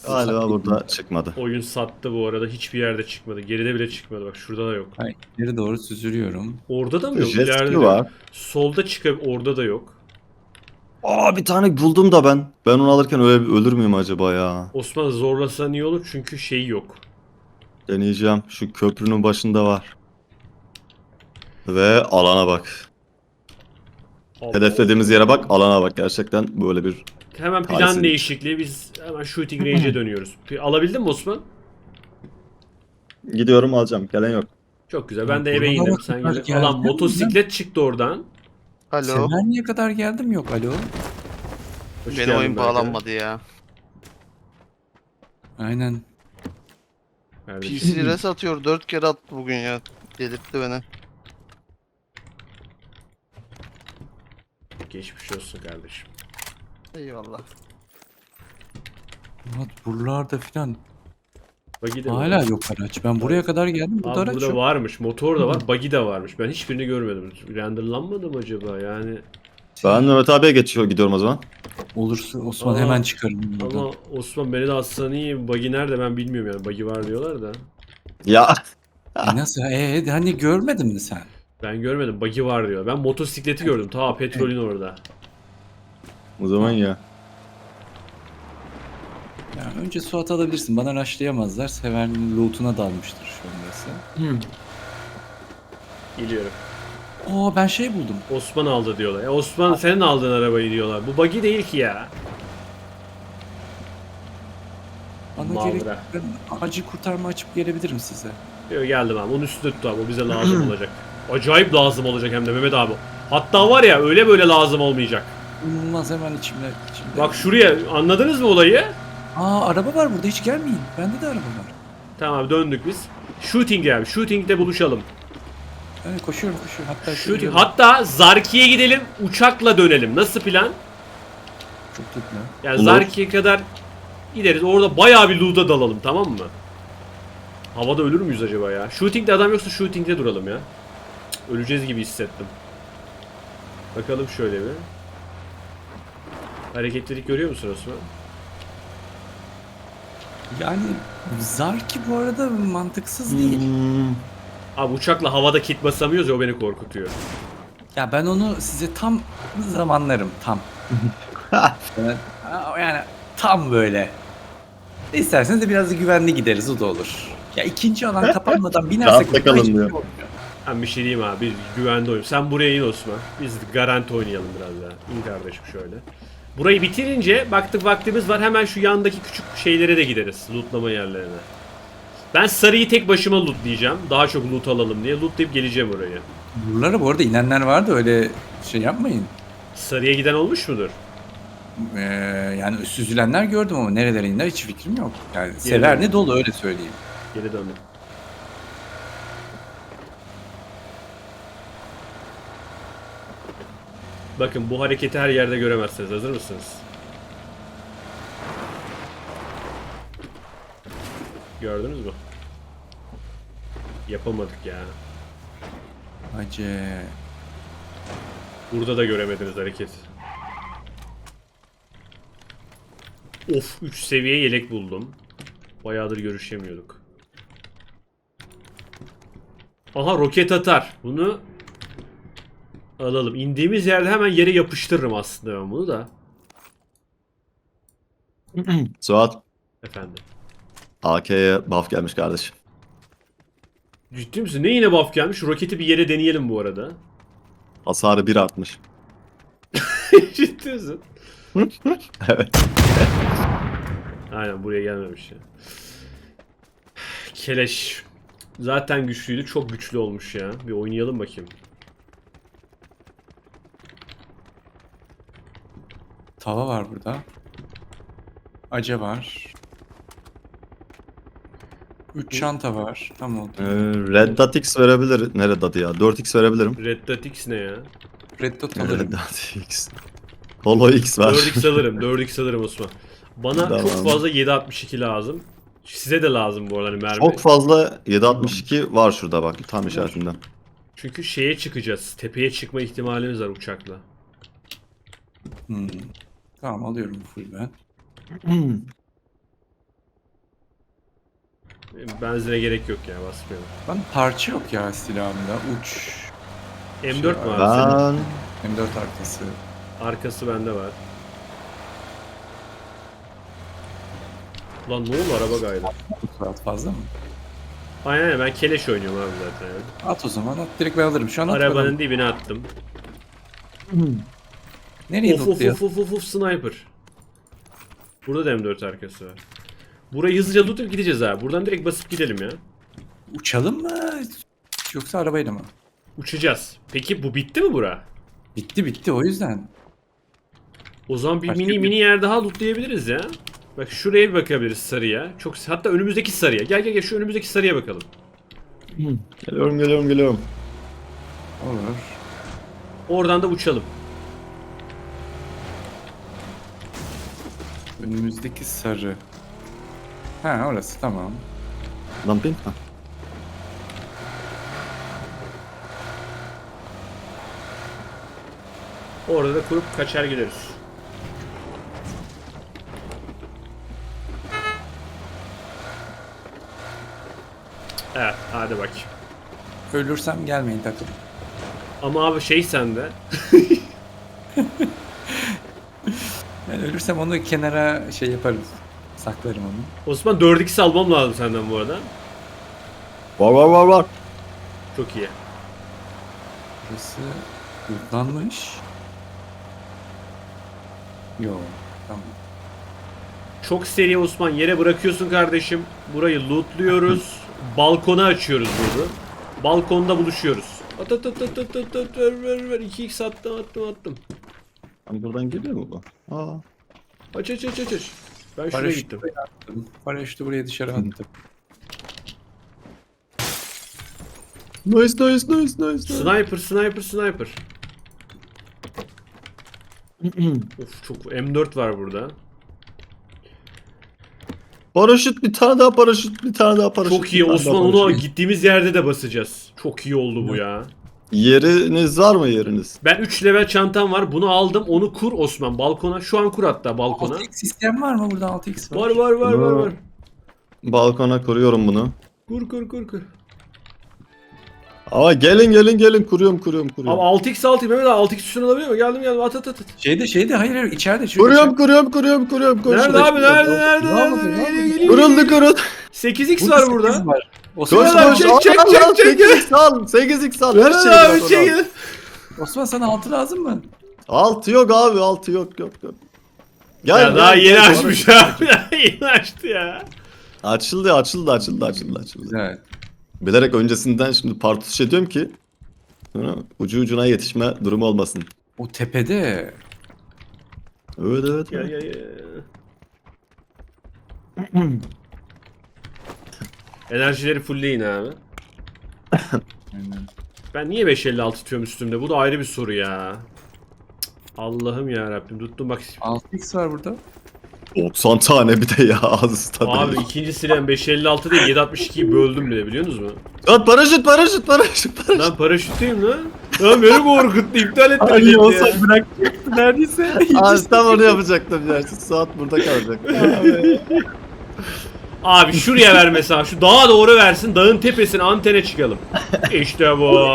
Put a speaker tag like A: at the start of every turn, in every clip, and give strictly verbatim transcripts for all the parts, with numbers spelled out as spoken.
A: Galiba burada çıkmadı.
B: Oyun sattı bu arada. Hiçbir yerde çıkmadı. Geride bile çıkmadı. Bak şurada da yok.
C: Hayır, ileri doğru süzülüyorum.
B: Orada da mı yok?
A: Jet ski
B: İleride de yok.
A: var.
B: Solda çıkıp orada da yok.
A: Aa, bir tane buldum da ben. Ben onu alırken öyle ölür müyüm acaba ya?
B: Osman zorlasan iyi olur çünkü şey yok.
A: Deneyeceğim. Şu köprünün başında var. Ve alana bak.
B: Allah.
A: Hedeflediğimiz yere bak, alana bak. Gerçekten böyle bir
B: Hemen plan
A: talihsizlik.
B: değişikliği. Biz hemen shooting range'e dönüyoruz. Bir alabildin mi Osman?
A: Gidiyorum, alacağım. Gelen yok.
B: Çok güzel. Ben de
C: Ya,
B: eve
C: buralara
B: indim. Sen
C: kadar
B: gel.
C: geldim
B: Alan motosiklet çıktı oradan.
D: Alo.
C: Semerni'ye kadar geldim yok alo.
B: Hoş
D: Benim
B: geldin
D: oyun
B: Berkay.
D: bağlanmadı ya.
C: Aynen.
D: P
B: Kardeşim.
D: C res atıyor. Dört kere attı bugün ya. Delirtti beni.
B: Geçmiş olsun kardeşim.
D: Eyvallah.
C: Murat buralarda filan
B: Buggy de
C: hala
B: var.
C: yok araç. Ben buraya kadar geldim. Burada
B: Abi
C: araç
B: burada
C: yok.
B: varmış. Motor da var. Buggy de varmış. Ben hiçbirini görmedim. Renderlanmadı mı acaba? Yani
A: Ben Mehmet abiye geçiyor gidiyorum o zaman.
C: Olursa Osman
B: Aa,
C: hemen çıkarım buradan.
B: ama Osman beni de atsan iyi. Buggy nerede ben bilmiyorum yani. Buggy var diyorlar da.
A: Ya.
C: E nasıl? E, hani görmedin mi sen?
B: Ben görmedim. Buggy var diyor. Ben motosikleti gördüm. Ta petrolün orada.
A: O zaman ya.
C: Yani önce Suat alabilirsin. Bana rushlayamazlar. Sever'in loot'una dalmıştır şu an burası.
B: Geliyorum.
C: Oo ben şey buldum.
B: Osman aldı diyorlar. Ya Osman senin aldığın arabayı diyorlar. Bu buggy değil ki ya.
C: Bana
B: Mavra.
C: gerek ben acil kurtarma açıp gelebilirim size.
B: Yok geldim abi. Onun üstünde tut abi. O bize lazım olacak. Acayip lazım olacak hem de Mehmet abi. Hatta var ya öyle böyle lazım olmayacak.
C: İnanılmaz hemen içimde. içimde.
B: Bak şuraya anladınız mı olayı?
C: Aa araba var burada hiç gelmeyin. Bende de araba var.
B: Tamam abi döndük biz. Shooting yani. Shooting'de buluşalım.
C: Evet koşuyorum koşuyorum. Hatta
B: Shooting.
C: şöyle-
B: Hatta Zarki'ye gidelim. Uçakla dönelim. Nasıl plan?
C: Çok tutma.
B: Yani
A: Olur.
B: Zarki'ye kadar gideriz. Orada bayağı bir loot'a dalalım tamam mı? Havada ölür müyüz acaba ya? Shooting'de adam yoksa shooting'de duralım ya. Cık, öleceğiz gibi hissettim. Bakalım şöyle bir. Hareketlilik görüyor musun Osman?
C: Yani Zarki bu arada mantıksız değil.
A: Hmm.
B: Abi uçakla havada kit basamıyoruz ya o beni korkutuyor.
C: Ya ben onu size tam zamanlarım tam. Evet, yani tam böyle. İsterseniz de biraz da güvenli gideriz o da olur. Ya ikinci alan kapanmadan binersek
A: Rahatla kalın
C: hiçbir şey
A: diyor.
C: olmuyor.
B: Ben bir şey diyeyim abi. Biz güvende oyun. Sen buraya in Osman. Biz garanti oynayalım biraz daha. İn kardeşim şöyle. Burayı bitirince baktık vaktimiz var. Hemen şu yandaki küçük şeylere de gideriz. Lootlama yerlerine. Ben sarıyı tek başıma lootlayacağım. Daha çok loot alalım diye. Lootlayıp geleceğim oraya.
C: Buralara bu arada inenler vardı öyle şey yapmayın.
B: Sarıya giden olmuş mudur?
C: Ee, yani süzülenler gördüm ama nerelere iner hiç fikrim yok. Yani sever ne dolu öyle söyleyeyim.
B: Geri döndüm. Bakın bu hareketi her yerde göremezsiniz. Hazır mısınız? Gördünüz mü? Yapamadık ya.
C: Hacı.
B: Burada da göremediniz hareket. Of üç seviye yelek buldum. Bayağıdır görüşemiyorduk. Aha roket atar. Bunu alalım. İndiğimiz yerde hemen yere yapıştırırım aslında ben bunu da.
A: Suat.
B: Efendim.
A: A K'ye buff gelmiş kardeşim.
B: Ciddi misin? Ne yine buff gelmiş? Şu roketi bir yere deneyelim bu arada.
A: Hasarı bir artmış.
B: Ciddi misin?
A: Evet.
B: Aynen buraya gelmemiş ya. Keleş. Zaten güçlüydü. Çok güçlü olmuş ya. Bir oynayalım bakayım.
C: Tava var burada. Aca var. Üç çanta var. Tam oldu.
A: Ee, Red Dot X verebilir. Ne Red Dot'ı ya? dört X verebilirim.
B: Red Dot X ne ya?
C: Red Dot
A: Red
C: alırım.
A: Dot X. Holo X var.
B: dört X alırım. dört X alırım Osman. Bana
A: Tamam.
B: çok fazla yedi altmış iki lazım. Size de lazım bu arada hani mermi.
A: Çok fazla yedi altmış iki var şurada bak tam işaretinden.
B: Çünkü şeye çıkacağız. Tepeye çıkma ihtimalimiz var uçakla.
C: Hmm. Tamam alıyorum full ben.
B: Benzine gerek yok ya, basmayalım.
C: Ben parça yok ya silahımda. Uç.
B: M dört
C: Şey
B: mu
C: var.
B: abi senin?
A: Ben
C: M dört arkası.
B: Arkası bende var. Lan ne oldu, araba gaydı.
C: Bu saat fazla mı?
B: Aynen aynen, ben keleş oynuyorum abi zaten. Yani.
C: At o zaman at. Direkt ben alırım. Şu an at
B: Arabanın
C: bakalım.
B: dibine attım.
C: Nereye
B: Of of
C: lootluyor?
B: of of of of sniper. Burada da M dört arkası var. Burayı hızlıca lootup gideceğiz abi. Buradan direkt basıp gidelim ya.
C: Uçalım mı? Yoksa arabayla mı?
B: Uçacağız. Peki bu bitti mi bura?
C: Bitti bitti o yüzden.
B: O zaman bir
C: Başka
B: mini
C: bir-
B: mini yer daha lootlayabiliriz ya. Bak şuraya bir bakabiliriz, sarıya. Çok hatta önümüzdeki sarıya. Gel gel gel şu önümüzdeki sarıya bakalım.
A: geliyorum geliyorum geliyorum.
C: Olur.
B: Oradan da uçalım.
C: Önümüzdeki sarı. Ha orası tamam.
A: Dumping ha.
B: Orada da kurup kaçar gideriz. Evet, hadi bak.
C: Ölürsem gelmeyin takım.
B: Ama abi şey sende.
C: Ben ölürsem onu kenara şey yaparım. Saklarım onu.
B: Osman dört x almam lazım senden bu arada.
A: Var var var var.
B: Çok iyi.
C: Burası lootlanmış. Yo tamam.
B: Çok seri Osman, yere bırakıyorsun kardeşim. Burayı lootluyoruz. Balkona açıyoruz bunu. Balkonda buluşuyoruz. At at at at at at at ver ver ver. iki x attım attım attım.
A: Lan buradan geliyor mu bu? Aa.
B: Aç aç aç aç aç. Ben şuraya
C: Paraşütü
B: gittim.
C: buraya attım. Paraşütü buraya dışarı attım.
A: Nice nice nice nice. nice.
B: Sniper sniper sniper. Of çok M dört var burada.
A: Paraşüt bir tane daha paraşüt bir tane daha paraşüt.
B: Çok
A: bir
B: iyi
A: tane
B: Osman,
A: daha
B: onu
A: paraşüt.
B: gittiğimiz yerde de basacağız. Çok iyi oldu bu ya.
A: Yeriniz var mı yeriniz?
B: Ben üç level çantam var. Bunu aldım. Onu kur Osman balkona. Şu an kur hatta balkona.
C: altı x sistem var mı burada altı x var?
B: Var var var var var.
A: Balkona kuruyorum bunu.
B: Kur kur kur kur.
A: Ama gelin gelin gelin kuruyorum kuruyorum kuruyorum.
B: Abi altı x altı Mehmet abi altı x üstüne alabiliyor mu? Geldim geldim at at at. at.
C: Şeyde şeyde hayır hayır içeride. Şurada,
A: Kuruyorum kuruyorum kuruyorum kuruyorum. Koş,
B: Nerede
A: koş,
B: abi
A: koş.
B: nerede nerede
C: Ne yapmadın,
B: nerede?
C: ne yapmadın?
B: Geliyor,
A: Kuruldu
B: geliyor.
A: kuruldu.
B: sekiz x
C: Burada
B: var
C: sekiz
B: burada.
C: var.
A: Koş
C: Osman,
B: Mehmet abi,
A: koş.
B: çek,
A: Al,
B: çek,
A: al,
B: çek,
A: al,
B: çek.
A: sekiz x al. sekiz x al. Her
B: Mehmet
A: şeyi
B: abi
A: bak
B: çekil.
A: ona.
C: Osman sana altı lazım mı?
A: Altı yok abi altı yok yok yok. Gel,
B: Ya
A: gel,
B: daha
A: gel,
B: yeni
A: gel.
B: açmış abi. Daha yeni açtı ya.
A: Açıldı açıldı açıldı açıldı açıldı.
C: Güzel.
A: Bilerek öncesinden şimdi partuş ediyorum ki sonra ucu ucuna yetişme durumu olmasın.
C: O tepede.
A: Evet evet.
B: Gel
A: evet.
B: gel gel. Enerjileri fullleyin abi.
C: Aynen.
B: Ben niye beş elli altı tutuyorum üstümde? Bu da ayrı bir soru ya. Cık, Allah'ım ya Rabbim tuttum bak.
C: altı x var burada.
A: doksan tane bir de ya ağzı tadı.
B: Abi ikinci silahım beş elli altı değil yedi altmış ikiyi böldüm bile, biliyor musunuz mu?
A: At paraşüt paraşüt paraşüt paraşüt.
B: Lan paraşütteyim lan. Lan beni korkuttu, iptal etti.
A: Ay,
B: beni
A: olsa
B: ya.
C: bırakacaktı neredeyse.
A: Abi tam onu yapacaktım ya. Şu saat burada kalacak.
B: Abi şuraya ver mesela, şu dağa doğru versin, dağın tepesine antene çıkalım. İşte bu.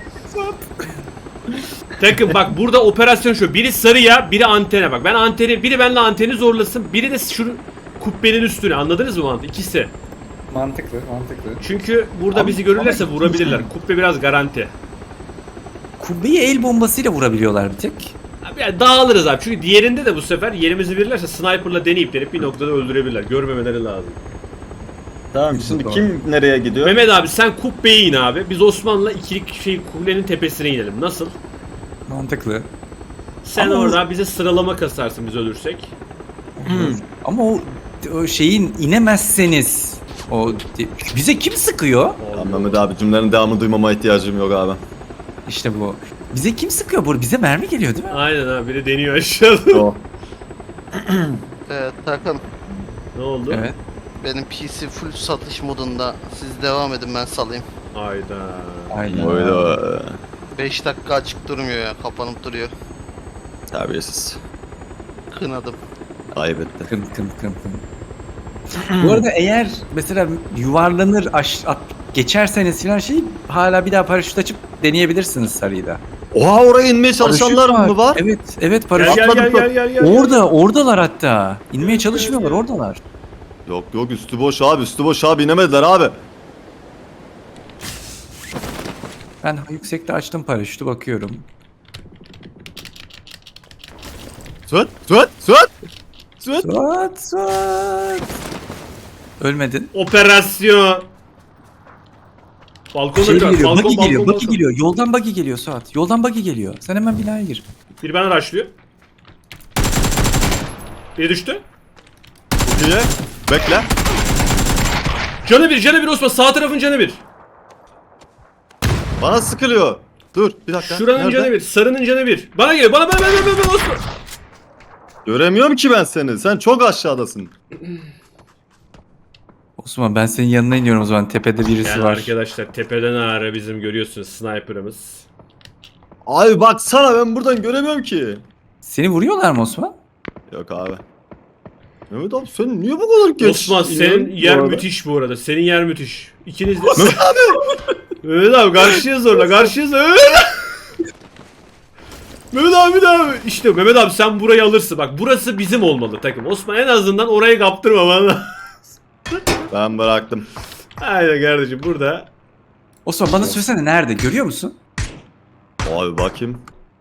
B: Takım bak burada operasyon şu, biri sarıya biri antene, bak ben anteni, biri benimle anteni zorlasın, biri de şu kubbenin üstüne, anladınız mı mantığı? İkisi.
C: Mantıklı mantıklı.
B: Çünkü burada
C: Ama-
B: bizi görürlerse
C: ama-
B: vurabilirler. Kubbe biraz garanti.
C: Kubbeyi el bombasıyla vurabiliyorlar bir tek.
B: Abi yani dağılırız abi, çünkü diğerinde de bu sefer yerimizi verirlerse sniperla deneyip deneyip bir noktada öldürebilirler. Görmemeleri lazım.
A: Tamam şimdi kim nereye gidiyor?
B: Mehmet abi sen kubbeye in abi. Biz Osman'la ikilik şey kulenin tepesine inelim. Nasıl?
C: Mantıklı.
B: Sen
C: Ama
B: orada bize sıralama kasarsın biz ölürsek.
C: Ama o, o şeyin inemezseniz o bize kim sıkıyor?
A: Tamam Mehmet abi cümlenin devamını duymama ihtiyacım yok abi.
C: İşte bu. Bize kim sıkıyor bu? Bize mermi geliyor değil mi?
B: Aynen abi, biri deniyor aşağıda.
A: O.
D: Evet Tarkan,
B: Ne oldu?
C: Evet.
D: benim P C full satış modunda. Siz devam edin, ben salayım.
B: Hayda.
C: Aynen.
A: Oydu.
D: beş dakika açık durmuyor ya, kapanıp duruyor.
A: Terbiyesiz.
D: Kınadım.
A: Ayıp etti.
C: Kın kın kın kın. Bu arada eğer mesela yuvarlanır aş, at, geçerseniz filan şey hala bir daha paraşüt açıp deneyebilirsiniz sarıyı da.
A: Oha, oraya inmeye çalışanlar
C: Paraşüt
A: mı var?
C: Evet, evet
B: Gel
C: paraşüt.
B: gel gel
A: Atladık
B: gel gel gel.
C: Orada, oradalar hatta. İnmeye
B: Evet,
C: çalışmıyorlar,
B: evet.
C: oradalar.
A: Yok yok, üstü boş abi, üstü boş abi, inemediler abi.
C: Ben yüksekte açtım paraşütü, bakıyorum.
A: Söt söt söt. Söt.
C: Suat, Suat. Ölmedin.
B: Operasyon. Balkona
C: Şey
B: biraz.
C: geliyor,
B: Balkon,
C: buggy
B: balkon,
C: geliyor,
B: balkon.
C: buggy geliyor. Yoldan buggy geliyor Suat. Yoldan buggy geliyor. Sen hemen binaya gir.
B: Biri bana rushlıyor. Biri düştü.
A: Çok iyi. Bekle.
B: Canı bir, canı bir Osman. Sağ tarafın canı bir.
A: Bana sıkılıyor. Dur bir dakika.
B: Şuranın
A: Nerede?
B: canı bir. Sarının canı bir. Bana geliyor. Bana, bana, bana, bana, bana Osman.
A: Göremiyorum ki ben seni. Sen çok aşağıdasın.
C: Osman ben senin yanına iniyorum o zaman. Tepede birisi
B: Yani
C: var.
B: arkadaşlar tepeden ağrı bizim görüyorsunuz sniper'ımız.
A: Abi baksana, ben buradan göremiyorum ki.
C: Seni vuruyorlar mı Osman?
A: Yok abi. Mehmet abi sen niye bu kadar geç
B: Osman senin
A: iniyorsun
B: yer
A: bu arada?
B: müthiş bu arada. Senin yer müthiş. İkiniz de... Mehmet abi! Mehmet abi karşıya zorla, karşıya zorla. Mehmet abi! Mehmet abi de abi. İşte Mehmet abi sen burayı alırsın. Bak burası bizim olmalı takım. Osman en azından orayı kaptırma bana.
A: Ben bıraktım.
B: Aynen kardeşim burada.
C: Osman bana söylesene nerede? Görüyor musun?
A: Abi bakayım.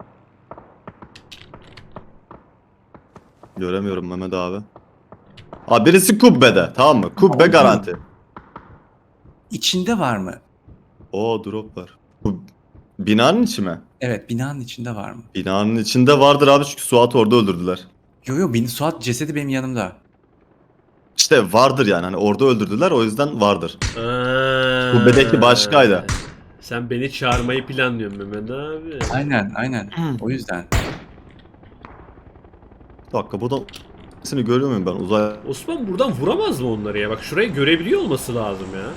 A: Göremiyorum Mehmet abi. Abi birisi kubbede, tamam mı? Kubbe
C: Tamam.
A: garanti.
C: İçinde var mı?
A: Oo, drop var. Bu binanın içi mi?
C: Evet, binanın içinde var mı?
A: Binanın içinde vardır abi, çünkü Suat'ı orada öldürdüler.
C: Yo yo, bin, Suat cesedi benim yanımda.
A: İşte vardır yani, hani orada öldürdüler, o yüzden vardır.
B: Aa,
A: Kubbedeki başkaydı.
B: Sen beni çağırmayı planlıyorsun Mehmet abi.
C: Aynen, aynen. O yüzden.
A: Bir dakika, buradan seni görüyor muyum ben uzay?
B: Osman buradan vuramaz mı onları ya? Bak şurayı görebiliyor olması lazım ya.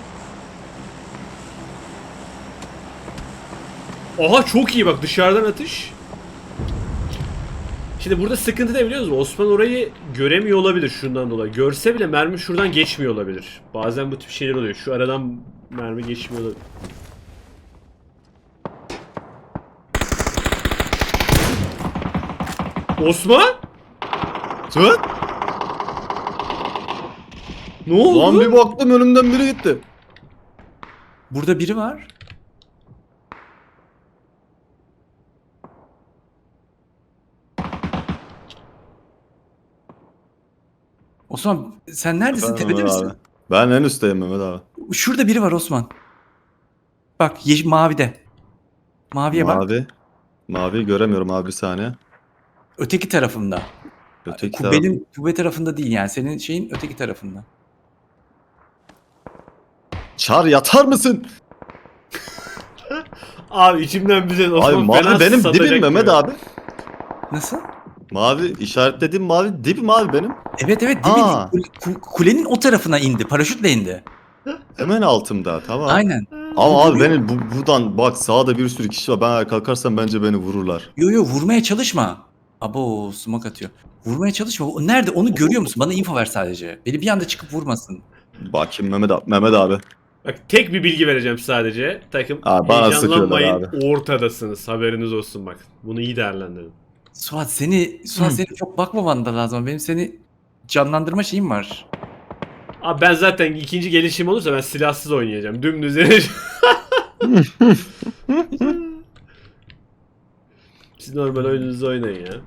B: Aha çok iyi bak dışarıdan atış. Şimdi burada sıkıntı ne biliyor musun? Osman orayı göremiyor olabilir şundan dolayı. Görse bile mermi şuradan geçmiyor olabilir. Bazen bu tip şeyler oluyor. Şu aradan mermi geçmiyor olabilir. Osman?
A: Söt!
B: Ne oldu?
A: Lan bir baktım önümden biri gitti.
C: Burada biri var. Osman sen neredesin?
A: Efendim
C: Tepede
A: Mehmet
C: misin?
A: abi. Ben en üstteyim Mehmet abi.
C: Şurada biri var Osman. Bak yeş mavide. Maviye bak.
A: Mavi. Mavi göremiyorum abi, bir saniye.
C: Öteki tarafında.
A: Öteki taraf.
C: Kubbenin kubbe tarafında değil yani. Senin şeyin öteki tarafında.
A: Çar yatar mısın?
B: Abi içimden bize
A: Abi
B: Osman
A: mavi
B: fena
A: benim
B: satacak
A: dibim Mehmet
B: gibi.
A: abi.
C: Nasıl?
A: Mavi işaretlediğim mavi dibim abi benim.
C: Evet evet değil
A: Aa.
C: mi? Ku- Kulenin o tarafına indi. Paraşütle indi.
A: Hemen altımda, tamam.
C: Aynen.
A: Ama abi beni bu, buradan bak, sağda bir sürü kişi var. Ben ayağa kalkarsam bence beni vururlar.
C: Yo yo vurmaya çalışma. Abo smoke atıyor. Vurmaya çalışma. O nerede? Onu görüyor musun? Bana info ver sadece. Beni bir anda çıkıp vurmasın.
A: Bakayım Mehmet abi. Mehmet abi.
B: Bak tek bir bilgi vereceğim sadece. Takım
A: Abi bana
B: heyecanlanmayın.
A: sıkıyorlar
B: Ortadasınız. Haberiniz olsun bak. Bunu iyi değerlendirin.
C: Suat seni Suat
A: Hı.
C: seni çok bakmaman da lazım. Benim seni canlandırma şeyim var.
B: Abi ben zaten ikinci gelişim olursa ben silahsız oynayacağım. Dümdüz yeneceğim. Siz normal oyununuzu oynayın ya.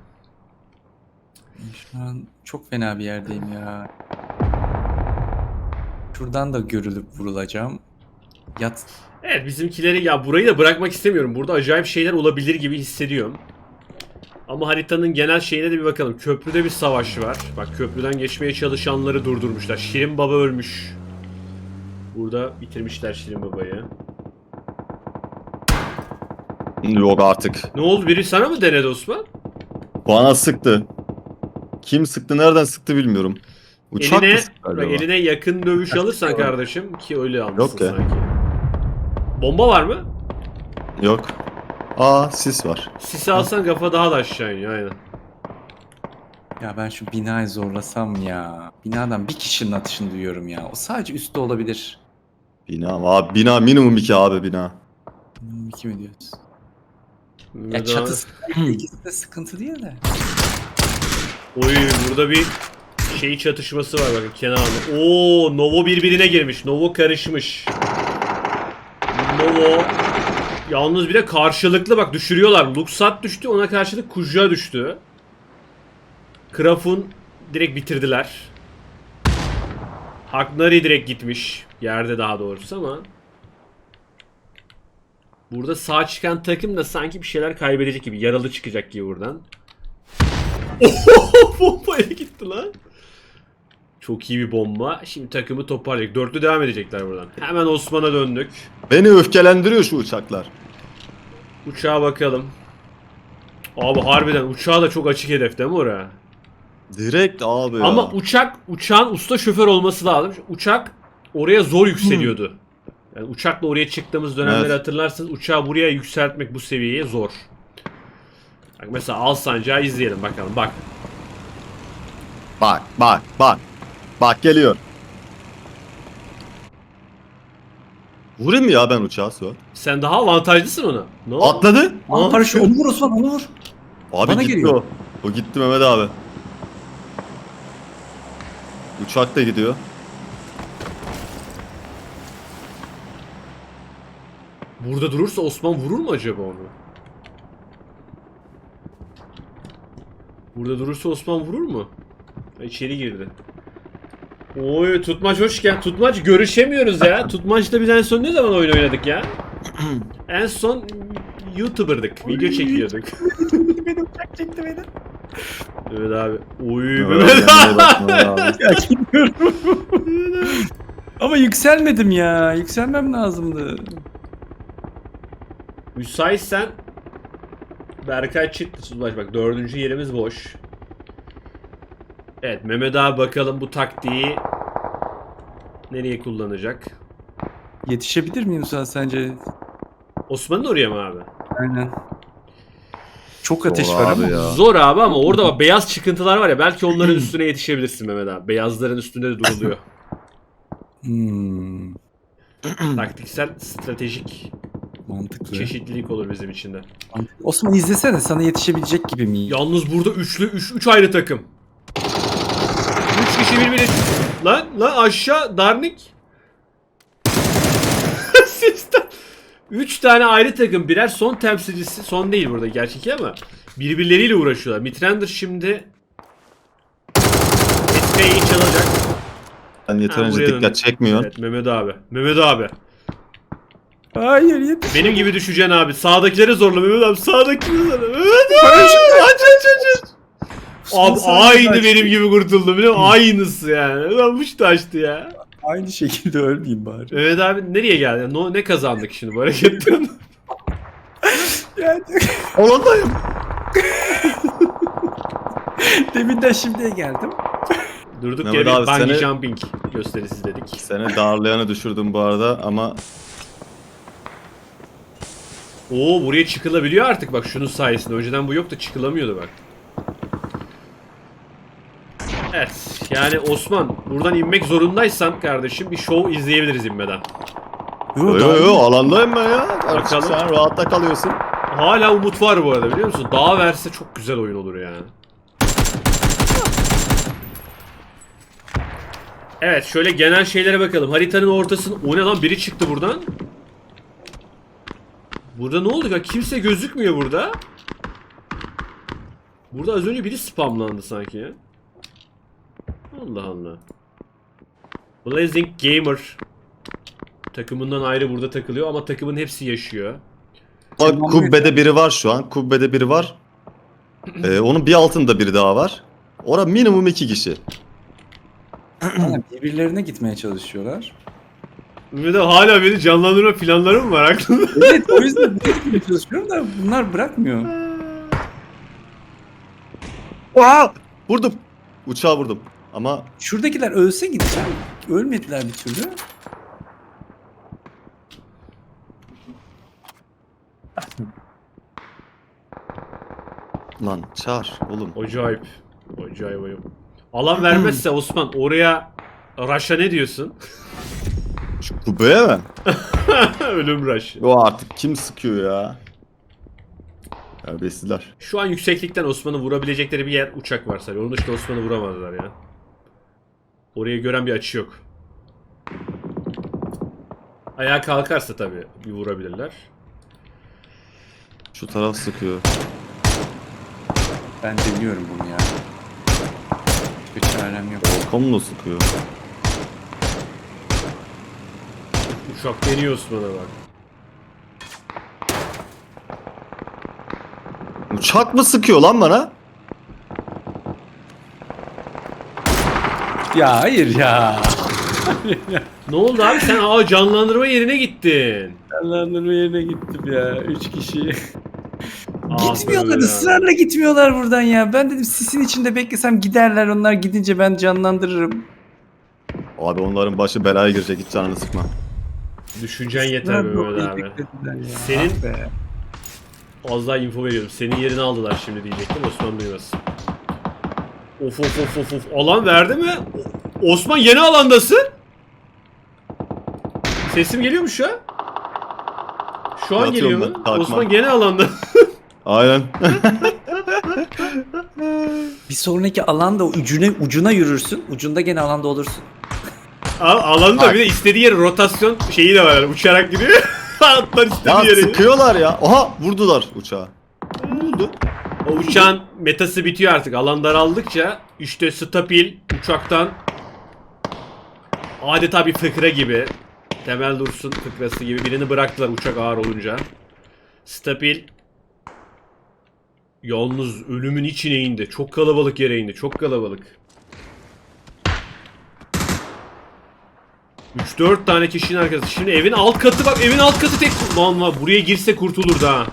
C: Şu an çok fena bir yerdeyim ya. Şuradan da görülüp vurulacağım. Yat.
B: Evet bizimkileri ya burayı da bırakmak istemiyorum. Burada acayip şeyler olabilir gibi hissediyorum. Ama haritanın genel şeyine de bir bakalım. Köprüde bir savaş var. Bak köprüden geçmeye çalışanları durdurmuşlar. Şirin Baba ölmüş. Burada bitirmişler Şirin Baba'yı.
A: Yok artık.
B: Ne oldu? Biri sana mı denedi Osman?
A: Bana sıktı. Kim sıktı, nereden sıktı bilmiyorum. Uçak
B: Eline,
A: mı sıktı
B: bak,
A: acaba?
B: eline yakın dövüş alırsan kardeşim ki öyle almışsın
A: Yok ya.
B: sanki. Bomba var mı?
A: Yok. Aa, sis var.
B: Sisi alsan kafa daha da aşağı iniyor aynen.
C: Ya ben şu binayı zorlasam ya. Binadan bir kişinin atışını duyuyorum ya. O sadece üstte olabilir.
A: Bina abi, bina minimum iki abi bina.
C: Hmm, iki mi diyoruz? Ya
B: Mehmet abi-
C: çatısı ikisi de sıkıntı değil de.
B: Oy burada bir şey çatışması var bakın kenarda. Oo Novo birbirine girmiş. Novo karışmış. Novo yalnız bir de karşılıklı bak düşürüyorlar. Luxat düştü ona karşılık Kuja düştü. Krafun direkt bitirdiler. Hagnari direkt gitmiş. Yerde daha doğrusu ama. Burada sağ çıkan takım da sanki bir şeyler kaybedecek gibi. Yaralı çıkacak gibi buradan. Oho, bombaya gitti lan. Çok iyi bir bomba. Şimdi takımı toparlayacak. Dörtlü devam edecekler buradan. Hemen Osman'a döndük.
A: Beni öfkelendiriyor şu uçaklar.
B: Uçağa bakalım. Abi harbiden uçağa da çok açık hedef değil mi oraya?
A: Direkt abi ya.
B: Ama uçak, uçağın usta şoför olması lazım. Uçak oraya zor yükseliyordu. Yani uçakla oraya çıktığımız dönemleri
A: Evet.
B: hatırlarsınız. Uçağı buraya yükseltmek bu seviyeye zor. Bak mesela Alsancak'ı izleyelim bakalım. Bak.
A: Bak bak bak. Bak geliyor. Vurayım mı ya ben uçağı Suat?
B: Sen daha avantajlısın ona. Ne oldu?
A: Atladı.
C: Aa, paraşüt onu vur Osman onu vur.
A: Abi
C: Bana
A: gitti
C: geliyor.
A: o. O gitti Mehmet abi. Uçak da gidiyor.
B: Burada durursa Osman vurur mu acaba onu? Burada durursa Osman vurur mu? Ha, İçeri girdi. Oy Tutmaç hoş gel. Tutmaç görüşemiyoruz ya. Tutmaç'ta biz en son ne zaman oyun oynadık ya? En son YouTuber'dık. Video çekiyorduk.
C: Beni uçak çekti beni.
B: Evet abi. Oy
A: Evet,
B: Mehmet
A: kendine bak Mehmet abi.
C: Ya gidiyorum. Ama yükselmedim ya. Yükselmem lazımdı.
B: Müsaitsen Berkay çıktı Tutmaç bak dördüncü yerimiz boş. Evet Mehmet abi bakalım bu taktiği nereye kullanacak?
C: Yetişebilir miyim sen sence?
B: Osman'ın oraya mı abi?
C: Aynen. Çok ateş
A: Zor
C: var
A: abi
C: ama.
A: ya.
B: Zor abi ama orada bak beyaz çıkıntılar var ya belki onların üstüne yetişebilirsin Mehmet abi. Beyazların üstünde de duruluyor.
C: Hmm,
B: Taktiksel, stratejik
C: mantıklı.
B: çeşitlilik olur bizim için de.
C: Mantıklı. Osman izlesene sana yetişebilecek gibi miyim?
B: Yalnız burada üçlü, üç, üç ayrı takım. Üç kişi birbirine... Lan, lan aşağı Darnik. Sistem. Üç tane ayrı takım birer son temsilcisi. Son değil burada gerçek ama birbirleriyle uğraşıyorlar. Mitrander şimdi Etka'yı çalacak.
A: Ben
B: Ha,
A: yeterince
B: buraya
A: dikkat
B: döndüm.
A: çekmiyor.
B: Evet Mehmet abi. Mehmet abi.
C: Hayır yetiş.
B: Benim gibi düşeceksin abi. Sağdakileri zorla Mehmet abi. Sağdakileri zorla. Mehmet abi. Aç aç aç aç. Abi aynı benim gibi kurtuldum biliyor musun? Aynısı yani. Lanmış taştı ya.
C: Aynı şekilde ölmeyeyim bari.
B: Evet abi nereye geldi? No, ne kazandık şimdi bu hareketten?
C: Yani
A: Olandayım.
C: deminden şimdiye geldim.
B: Durduk
A: Mehmet
B: yere
A: abi,
B: bir bungee
A: seni-
B: jumping gösterisi dedik.
A: Seni darlayanı düşürdüm bu arada ama
B: Oo buraya çıkılabiliyor artık bak şunun sayesinde. Önceden bu yoktu çıkılamıyordu bak. Evet yani Osman buradan inmek zorundaysan kardeşim bir show izleyebiliriz inmeden.
C: Yo,
A: yo yo yo alandayım ben ya. Artık
B: Bakalım.
A: sen rahatta kalıyorsun.
B: Hala umut var bu arada biliyor musun? Dağ verse çok güzel oyun olur yani. Evet şöyle genel şeylere bakalım. Haritanın ortasında... O ne lan biri çıktı buradan. Burada ne oldu ya? Kimse gözükmüyor burada. Burada az önce biri spamlandı sanki ya. Allah Allah. Blazing Gamer takımından ayrı burada takılıyor ama takımın hepsi yaşıyor.
A: Bak kubbede biri var şu an. Kubbede biri var. Ee, onun bir altında biri daha var. Orada minimum iki kişi.
C: Aynen, birbirlerine gitmeye çalışıyorlar.
B: Bir de hala beni canlandırma planları mı var aklında?
C: Evet o yüzden buraya gitmeye çalışıyorum da bunlar bırakmıyor.
A: Aa! Vurdum. Uçağı vurdum. Ama
C: Şuradakiler ölse gideceğim. Ölmediler bir türlü.
A: lan çağır oğlum.
B: Acayip. Acayip ayıp. Alan vermezse Osman oraya Raş'a ne diyorsun?
A: Şu kubbeye mi?
B: Ölüm Raş.
A: O artık kim sıkıyor ya? Terbiyesizler.
B: Şu an yükseklikten Osman'ı vurabilecekleri bir yer uçak var sadece. Onun dışında Osman'ı vuramazlar ya. Orayı gören bir açı yok. Ayağa kalkarsa tabii bir vurabilirler.
A: Şu taraf sıkıyor.
C: Ben deniyorum bunu ya. Bir çarem yok.
A: Volkan da sıkıyor.
B: Uçak deniyor Osman'a bak.
A: Uçak mı sıkıyor lan bana?
C: Ya hayır ya.
B: Ne oldu abi sen aa canlandırma yerine gittin.
C: Canlandırma yerine gittim ya. Üç kişi.
B: Ah
C: Gitmiyorlar,
B: be.
C: ısrarla gitmiyorlar buradan ya. Ben dedim sisin içinde beklesem giderler, onlar gidince ben canlandırırım.
A: Abi onların başı belaya girecek, hiç canını sıkma.
B: Düşüncen yeter be Mehmet abi. Senin-
C: Ah be.
B: Az daha info veriyorum. Senin yerini aldılar şimdi diyecektim. Osman duymasın. Of of of of of. Alan verdi mi? O- Osman yeni alandasın. Sesim geliyor mu şu an? Şu an
A: Atıyorum
B: geliyor
A: ben,
B: mu?
A: takma.
B: Osman gene alanda.
A: Aynen.
C: Bir sonraki alanda ucuna, ucuna yürürsün. Ucunda gene alanda olursun.
B: Al alanda bir de istediği yere rotasyon şeyi de var. Yani uçarak gidiyor. Atlar istediği
A: Ya
B: yere.
A: sıkıyorlar ya. Oha, vurdular uçağı. Ne oldu?
B: O uçağın metası bitiyor artık. Alan daraldıkça işte stabil uçaktan adeta bir fıkra gibi, Temel Dursun fıkrası gibi birini bıraktılar uçak ağır olunca. Stabil yalnız ölümün içine indi. Çok kalabalık yere indi. Çok kalabalık. üç dört tane kişinin arkası. Şimdi evin alt katı bak. Evin alt katı tek... Lan lan buraya girse kurtulurdu ha.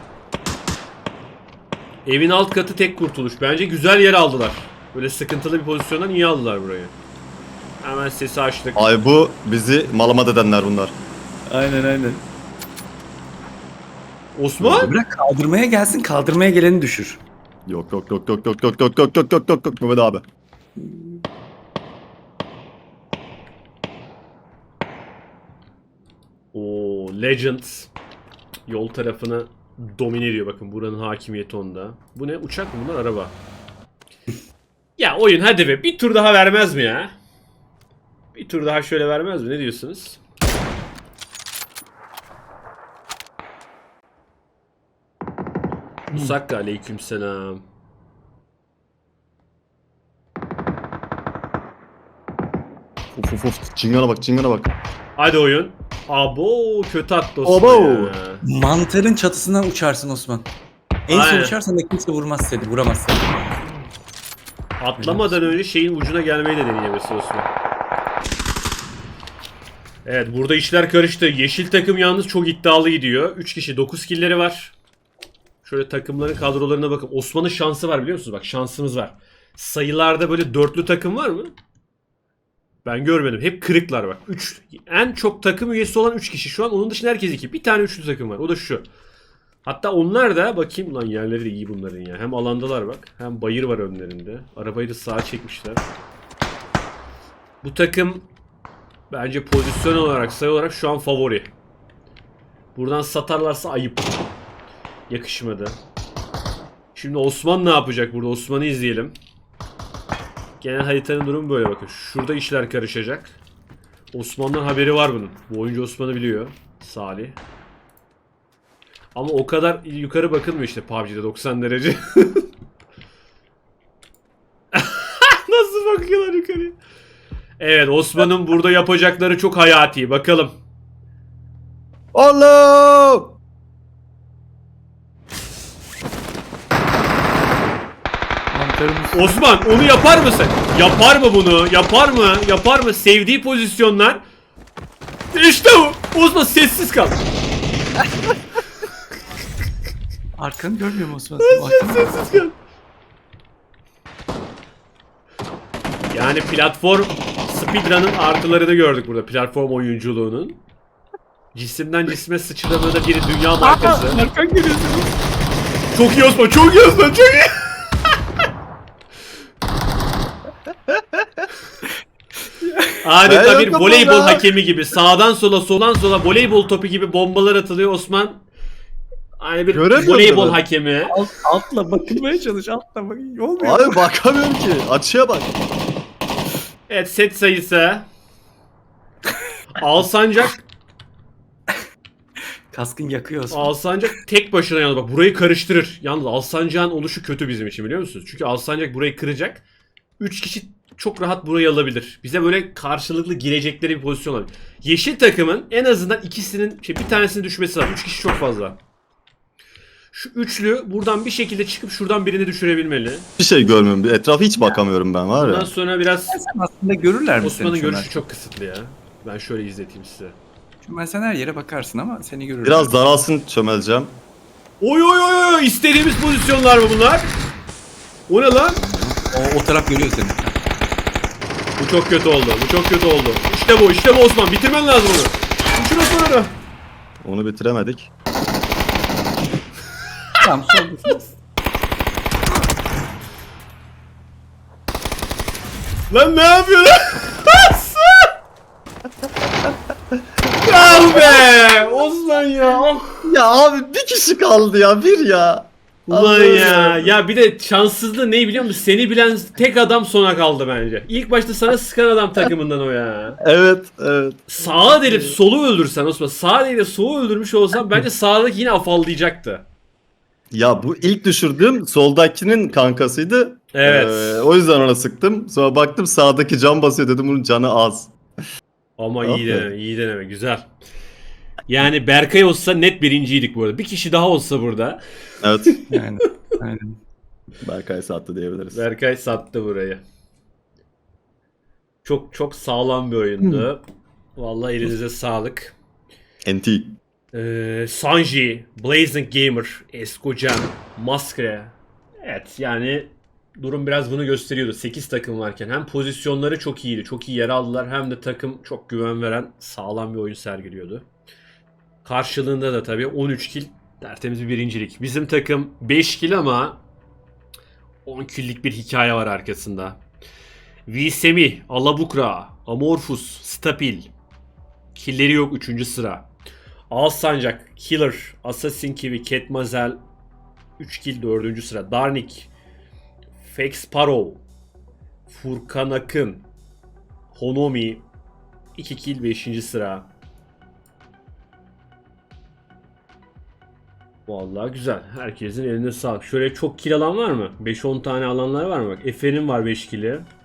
B: Evin alt katı tek kurtuluş. Bence güzel yer aldılar. Böyle sıkıntılı bir pozisyondan iyi aldılar burayı. Hemen sesi açtık.
A: Ay bu bizi malamat edenler bunlar.
C: Aynen aynen.
B: Osman?
C: Bırak kaldırmaya gelsin, kaldırmaya geleni düşür.
A: Yok yok yok yok yok yok yok yok yok yok yok yok Mehmet abi.
B: Oo, Legends yol tarafını domine ediyor. Bakın buranın hakimiyeti onda. Bu ne? Uçak mı bunlar? Araba. Ya oyun hadi be. Bir tur daha vermez mi ya? Bir tur daha şöyle vermez mi? Ne diyorsunuz? Musakka aleykümselam.
A: Uf uf uf. Çingana bak, çingana bak.
B: Hadi oyun. Abo kötü attı Osman
A: Abo.
B: ya.
C: Mantarın çatısından uçarsın Osman. En son
B: Aynen.
C: uçarsan da kimse vurmaz seni, vuramaz seni.
B: Atlamadan önce şeyin ucuna gelmeyi de deneyemesi Osman. Evet burada işler karıştı. Yeşil takım yalnız çok iddialı gidiyor. üç kişi dokuz killleri var. Şöyle takımların kadrolarına bakın. Osman'ın şansı var biliyor musunuz? Bak şansımız var. Sayılarda böyle dörtlü takım var mı? Ben görmedim. Hep kırıklar bak. üç en çok takım üyesi olan üç kişi şu an. Onun dışında herkes iki. Bir tane üçlü takım var. O da şu. Hatta onlar da bakayım lan yerleri de iyi bunların ya. Hem alandalar bak. Hem bayır var önlerinde. Arabayı da sağa çekmişler. Bu takım bence pozisyon olarak, sayı olarak şu an favori. Buradan satarlarsa ayıp. Yakışmadı. Şimdi Osman ne yapacak burada? Osman'ı izleyelim. Genel haritanın durumu böyle bakın. Şurada işler karışacak. Osman'dan haberi var bunun. Bu oyuncu Osman'ı biliyor. Salih. Ama o kadar yukarı bakılmıyor işte P U B G'de doksan derece. Nasıl bakıyorlar yukarıya? Evet Osman'ın burada yapacakları çok hayati. Bakalım.
A: Allah!
C: Mantarımız...
B: Osman onu yapar mısın? Yapar mı bunu? Yapar mı? Yapar mı? Sevdiği pozisyonlar. İşte bu. Osman sessiz kal.
C: Arkanı görmüyor mu Osman?
B: Osman sessiz kal. Yani platform speedrun'ın artılarını gördük burada. Platform oyunculuğunun. Cisimden cisme sıçramada biri dünya markası.
C: Arkan görüyorsunuz.
B: Çok iyi Osman, çok iyi Osman, çok iyi. Adeta
A: Ben
B: bir
A: yokum
B: voleybol
A: ya.
B: hakemi gibi. Sağdan sola, soldan sola voleybol topu gibi bombalar atılıyor Osman. Hani bir
A: Göremiyorum
B: voleybol
A: ben.
B: hakemi.
C: Alt, altla bakılmaya çalış. Altla bak. Olmuyor.
A: Abi bakamıyorum ki. Açıya bak.
B: Evet, set sayısı. Alsancak
C: Kaskın yakıyor Osman.
B: Alsancak tek başına yalnız bak burayı karıştırır. Yalnız Alsancak'ın oluşu kötü bizim için biliyor musunuz? Çünkü Alsancak burayı kıracak. üç kişi çok rahat burayı alabilir. Bize böyle karşılıklı girecekleri bir pozisyon olabilir. Yeşil takımın en azından ikisinin, şey bir tanesinin düşmesi lazım. üç kişi çok fazla. Şu üçlü buradan bir şekilde çıkıp şuradan birini düşürebilmeli.
A: Bir şey görmüyorum. Bir etrafa hiç bakamıyorum ben var
B: Ondan
A: ya.
B: sonra biraz
C: Sen aslında görürler mi
B: Osman'ın
C: seni
B: görüşü
C: Çömel?
B: çok kısıtlı ya. Ben şöyle izleteyim size.
C: Çömel sen her yere bakarsın ama seni görürler.
A: Biraz daralsın çömeleceğim.
B: Oy oy oy oy istediğimiz pozisyonlar mı bunlar? O ne lan?
C: O, o taraf görüyor seni.
B: Bu çok kötü oldu. Bu çok kötü oldu. İşte bu, işte bu Osman. Bitirmen lazım onu. Düşür Osman'ı.
A: Onu bitiremedik.
C: Tamam soldasınız.
B: Lan ne yapıyorsun? Bravo be! Osman ya. Oh.
A: Ya abi bir kişi kaldı ya. Bir ya.
B: Ulan
A: Allah'ım
B: ya. Ya bir de şanssızlığı ne biliyor musun? Seni bilen tek adam sona kaldı bence. İlk başta sana sıkan adam takımından o ya.
A: Evet, evet.
B: Sağa delip solu öldürsen Osman. Sağa delip solu öldürmüş olsan bence sağdaki yine afallayacaktı.
A: Ya bu ilk düşürdüğüm soldakinin kankasıydı.
B: Evet.
A: Ee, o yüzden ona sıktım. Sonra baktım sağdaki can basıyor dedim bunun canı az.
B: Ama
A: Ah
B: iyi
A: be.
B: deneme, iyi deneme. Güzel. Yani Berkay olsa net birinciydik bu arada. Bir kişi daha olsa burada.
A: Evet.
C: Yani, aynen.
A: Berkay sattı diyebiliriz.
B: Berkay sattı burayı. Çok çok sağlam bir oyundu. Vallahi elinize sağlık.
A: N T.
B: Ee, Sanji, Blazing Gamer, Eskocan, Maskre. Evet yani durum biraz bunu gösteriyordu. sekiz takım varken hem pozisyonları çok iyiydi. Çok iyi yer aldılar. Hem de takım çok güven veren sağlam bir oyun sergiliyordu. Karşılığında da tabii on üç kill tertemiz bir birincilik. Bizim takım beş kill ama on kill'lik bir hikaye var arkasında. Visemi, Alabukra, Amorphous, Stapil. Kill'leri yok üçüncü sıra. Alsancak, Killer, Assassin Kiwi, Ketmazel üç kill dördüncü sıra. Darnik, Fake Sparrow, Furkan Akın, Honomi iki kill beşinci sıra. Vallahi güzel. Herkesin eline sağlık. Şöyle çok kill alan var mı? beş on tane alanlar var mı? Bak Efe'nin var beş kill'i.